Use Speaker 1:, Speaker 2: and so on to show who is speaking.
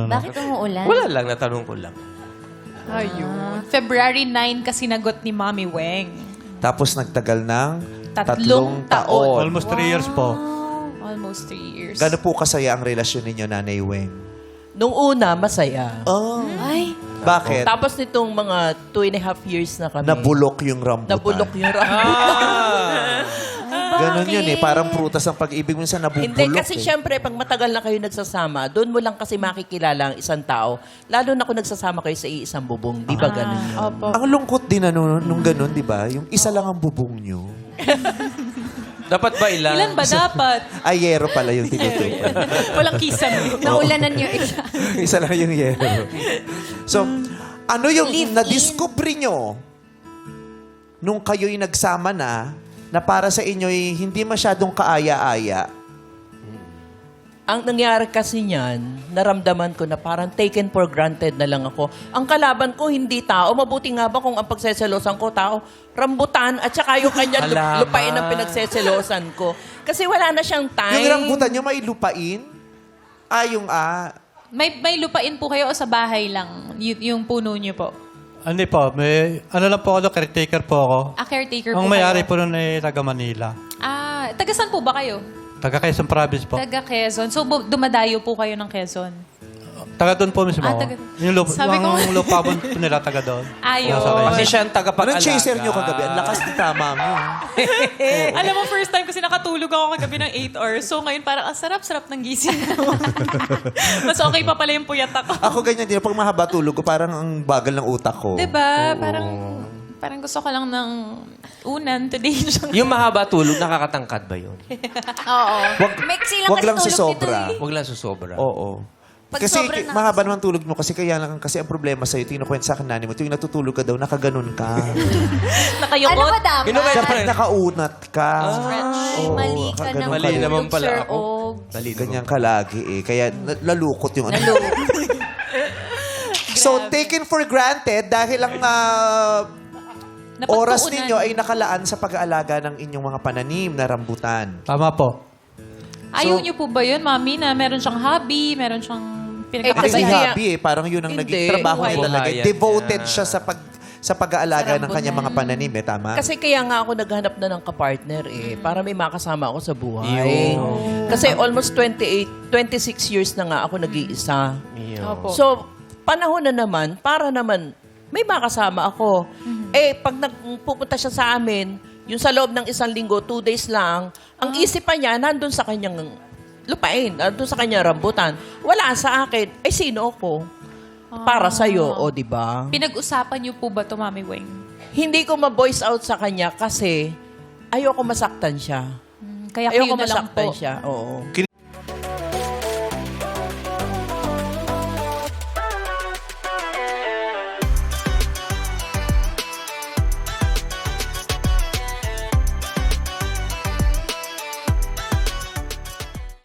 Speaker 1: Bakit umuulan?
Speaker 2: Wala lang, natanong ko lang.
Speaker 3: Ayun. February 9 kasi nagot ni Mami Weng.
Speaker 4: Tapos nagtagal ng
Speaker 3: Tatlong
Speaker 4: 3
Speaker 3: taon.
Speaker 4: taon.
Speaker 5: Almost 3 years po.
Speaker 3: Almost 3 years.
Speaker 4: Gano'n po kasaya ang relasyon ninyo, Nanay Weng?
Speaker 6: Nung una, masaya.
Speaker 4: Oh.
Speaker 1: Ay,
Speaker 4: Bakit?
Speaker 6: Tapos nitong mga 2.5 years na kami.
Speaker 4: Nabulok yung rambutan.
Speaker 6: Nabulok yung rambutan.
Speaker 4: Ganon yun eh. Parang prutas ang pag-ibig. Minsan nabubulok
Speaker 6: Hindi, kasi
Speaker 4: eh.
Speaker 6: syempre, pag matagal na kayo nagsasama, doon mo lang kasi makikilala ang isang tao. Lalo na kung nagsasama kayo sa iisang bubong. Di ba ganun yun?
Speaker 3: Opo.
Speaker 4: Ang lungkot din nung ganon, di ba? Yung isa lang ang bubong nyo.
Speaker 2: Dapat ba ilan?
Speaker 3: Ilan ba dapat?
Speaker 4: Ayero pala yung tinutupan.
Speaker 3: Walang kisame.
Speaker 1: naulanan yung isa.
Speaker 4: Isa lang yung yero. So, ano yung
Speaker 1: Live-in.
Speaker 4: na-discover nyo nung kayo'y nagsama na para sa inyo'y hindi masyadong kaaya-aya?
Speaker 6: Ang nangyari kasi niyan, naramdaman ko na parang taken for granted na lang ako. Ang kalaban ko hindi tao. Mabuti nga ba kung ang pagseselosan ko tao, rambutan at saka yung kanya
Speaker 2: Halaman.
Speaker 6: lupain ang pinagseselosan ko. Kasi wala na siyang time.
Speaker 4: Yung rambutan nyo may lupain?
Speaker 3: May lupain po kayo o sa bahay lang? Yung puno niyo po?
Speaker 5: Hindi po, ano lang po ako, caretaker po ako.
Speaker 3: Caretaker po
Speaker 5: Ang may-ari
Speaker 3: kayo?
Speaker 5: po nun ay taga Manila.
Speaker 3: Taga saan po ba kayo?
Speaker 5: Taga Quezon Province po.
Speaker 3: Taga Quezon. So, dumadayo po kayo ng Quezon?
Speaker 5: Taga doon po mismo.
Speaker 3: Taga-
Speaker 5: Yung
Speaker 3: Sabi ko-
Speaker 5: ang lupa po nila taga doon.
Speaker 3: Ayun.
Speaker 5: Nasa Quezon.
Speaker 2: Kasi siya ang
Speaker 4: Anong
Speaker 2: tagapag-alaga.
Speaker 4: chaser nyo kagabi? Ang lakas ni tama mo.
Speaker 3: Alam mo, first time kasi nakatulog ako kagabi ng 8 hours. So, ngayon parang, sarap-sarap ng gising ko. Mas okay pa pala yung puyat ako.
Speaker 4: Ako ganyan din. Pag mahaba tulog ko, parang ang bagal ng utak ko.
Speaker 3: Diba? Parang gusto ko lang ng unan today.
Speaker 2: Yung mahaba tulog, nakakatangkad ba yun?
Speaker 1: Oo. Mixi lang
Speaker 4: Wag
Speaker 1: kasi
Speaker 4: lang
Speaker 1: tulog
Speaker 4: susobra.
Speaker 1: nito eh.
Speaker 2: Huwag lang susobra.
Speaker 4: Oo.
Speaker 1: Pag
Speaker 4: Kasi
Speaker 1: sobrang
Speaker 4: mahaba naman tulog mo kasi kaya lang kasi ang problema sa'yo, tinukwento sa akin nani mo, tuwing natutulog ka daw, nakaganon ka.
Speaker 3: Nakayukot.
Speaker 1: Ano ba dapat?
Speaker 4: Dapat nakaunat ka.
Speaker 1: Ay,
Speaker 4: Oo,
Speaker 1: mali ka
Speaker 4: nakaganon
Speaker 1: naman.
Speaker 2: Mali
Speaker 4: ka.
Speaker 2: naman pala
Speaker 1: Sir
Speaker 2: ako.
Speaker 1: Og.
Speaker 4: Ganyan ka lagi eh. Kaya lalukot yung ano. So, taken for granted dahil ang oras
Speaker 3: Napagtuunan.
Speaker 4: ninyo ay nakalaan sa pag-aalaga ng inyong mga pananim na rambutan.
Speaker 5: Tama po.
Speaker 3: Ayaw niyo po ba yun, Mami, na meron siyang hobby, meron siyang
Speaker 4: Hindi
Speaker 6: kasi
Speaker 3: pinagkakabayan?
Speaker 6: kaya-
Speaker 4: hobby eh. Parang yun ang
Speaker 6: Hindi.
Speaker 4: naging trabaho niya
Speaker 2: Buhay.
Speaker 4: talaga.
Speaker 2: Buhayan
Speaker 4: Devoted
Speaker 2: niya.
Speaker 4: siya sa pag-aalaga ng kanyang mga pananim eh. Tama?
Speaker 6: Kasi kaya nga ako naghanap na ng kapartner eh, para may makasama ako sa buhay.
Speaker 2: Yun.
Speaker 6: Kasi almost 26 years na nga ako nag-iisa.
Speaker 3: Opo.
Speaker 6: So, panahon na naman, para naman may makasama ako. Eh, pag nagpupunta siya sa amin, yung sa loob ng 1 linggo, 2 days lang, ang isipan niya, nandun sa kanyang lupain, nandun sa kanyang rambutan. Wala sa akin. Eh, sino ako? Para sa'yo, o di ba?
Speaker 3: Pinag-usapan niyo po ba to, Mami Weng?
Speaker 6: Hindi ko ma-voice out sa kanya kasi ayoko masaktan siya.
Speaker 3: Kaya
Speaker 6: Ayoko
Speaker 3: kayo na lang
Speaker 6: masaktan
Speaker 3: po.
Speaker 6: siya. Oo.